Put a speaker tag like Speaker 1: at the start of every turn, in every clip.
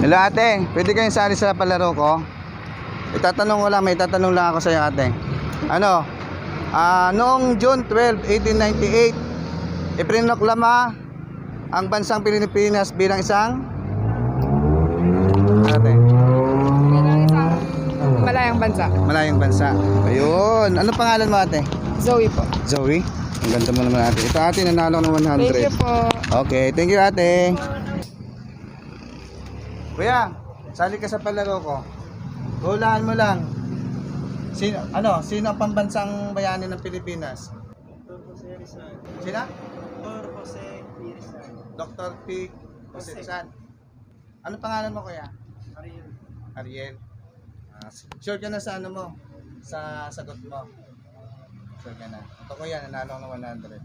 Speaker 1: Hello ate, pwede kayong sali sa palaro ko? May itatanong lang ako sa iyo ate. Ano? Noong June 12, 1898, ipinoklama ang bansang Pilipinas bilang isang ate.
Speaker 2: Bilang isang malayang bansa.
Speaker 1: Malayang bansa. Ayun. Ano pangalan mo ate?
Speaker 2: Zoe po.
Speaker 1: Zoe? Ang ganda mo naman ate. Ito ate, nanalo ng 100.
Speaker 2: Thank you po.
Speaker 1: Okay, thank you ate. Kuya, sali ka sa palaro ko. Hulaan mo lang. Sino ang pambansang bayani ng Pilipinas? Sino? Dr. P. Jose Rizal. Ano pangalan mo kuya? Ariel. Sure ka na sa ano mo? Sa sagot mo? Sure ka na. Ito kuya, nanalo ng 100.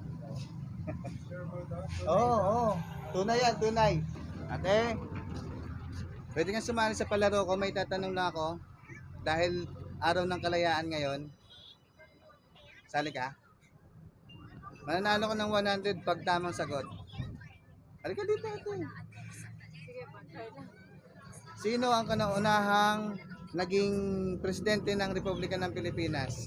Speaker 1: Oo. Tunay yan, tunay. Ate, pwede kang sumali sa palaro ko. May tatanong na ako. Dahil araw ng kalayaan ngayon. Sali ka? Mananalo ka ng 100 pag tamang sagot. Halika dito ate. Sino ang kanaunahang naging presidente ng Republika ng Pilipinas?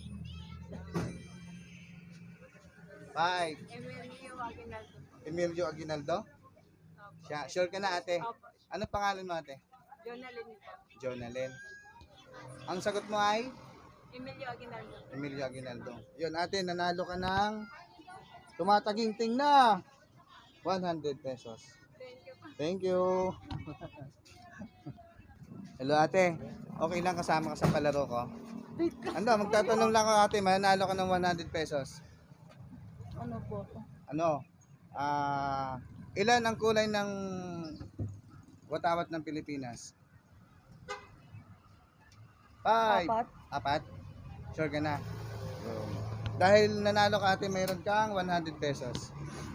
Speaker 1: 5. Emilio Aguinaldo? Siya, sure ka na ate? Ano pangalan mo ate? Jonalyn. Ang sagot mo ay? Emilio Aguinaldo. Yun ate, nanalo ka ng tumataginting na 100 pesos. Thank you. Hello ate. Okay lang kasama ka sa palaro ko? Magtatanong lang ako ate, mananalo ka ng 100 pesos.
Speaker 2: Ano po?
Speaker 1: Ilan ang kulay ng watawat ng Pilipinas? 5. Apat? Sure ka na? Dahil nanalo ka ate, mayroon kang 100 pesos.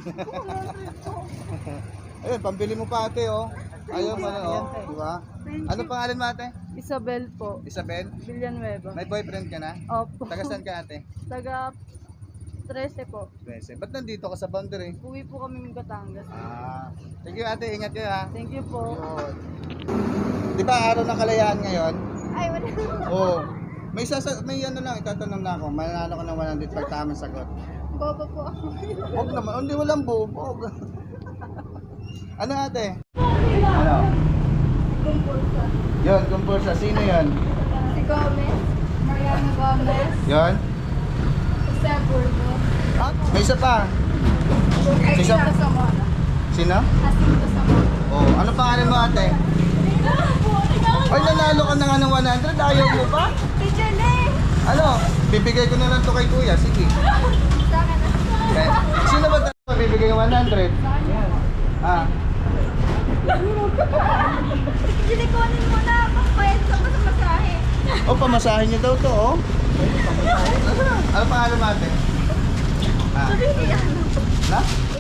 Speaker 1: Ayun, pambili mo pa ate oh. Ayaw mo na oh. Diba? Ano pangalan mo ate?
Speaker 2: Isabel po.
Speaker 1: Isabel?
Speaker 2: Villanueva.
Speaker 1: May boyfriend ka na?
Speaker 2: Opo.
Speaker 1: Taga saan ka ate?
Speaker 2: Taga 13 po.
Speaker 1: 13. Ba't nandito ka sa boundary?
Speaker 2: Uwi po kami ng Batangas.
Speaker 1: Thank you ate, ingat kayo ha.
Speaker 2: Thank you po.
Speaker 1: Yun. Di ba araw ng kalayaan ngayon?
Speaker 2: Ay, wala.
Speaker 1: Oo. May ano lang, itatanong na ako. Mananalo ka ng 100 pag tamang sagot.
Speaker 2: Bobo po ako.
Speaker 1: Huwag naman, hindi walang bubog. Ano ate? Ano?
Speaker 2: Kumpulsa.
Speaker 1: Yun, kumpulsa. Sino yun?
Speaker 2: Si Gomez. Mariano Gomez.
Speaker 1: Yun?
Speaker 2: Jose Burgos.
Speaker 1: May isa pa.
Speaker 2: Ay,
Speaker 1: Sisa-
Speaker 2: Jacinto Zamora.
Speaker 1: Sino?
Speaker 2: Jacinto Zamora.
Speaker 1: Oh, ano pangalan mo ate? Ay, nanalo ka na nga ng 100. Ayaw mo pa?
Speaker 2: Teacher Lee!
Speaker 1: Ano? Bibigay ko na lang to kay kuya. Sige.
Speaker 2: Sa akin na.
Speaker 1: Okay. Sino ba tayo bibigay ng 100?
Speaker 2: Silikonin mo na. Pagpayad sa masahe.
Speaker 1: Pamasahin niyo daw to, oh. Ano pangalan mo ate?
Speaker 2: Sabi niya.
Speaker 1: Na?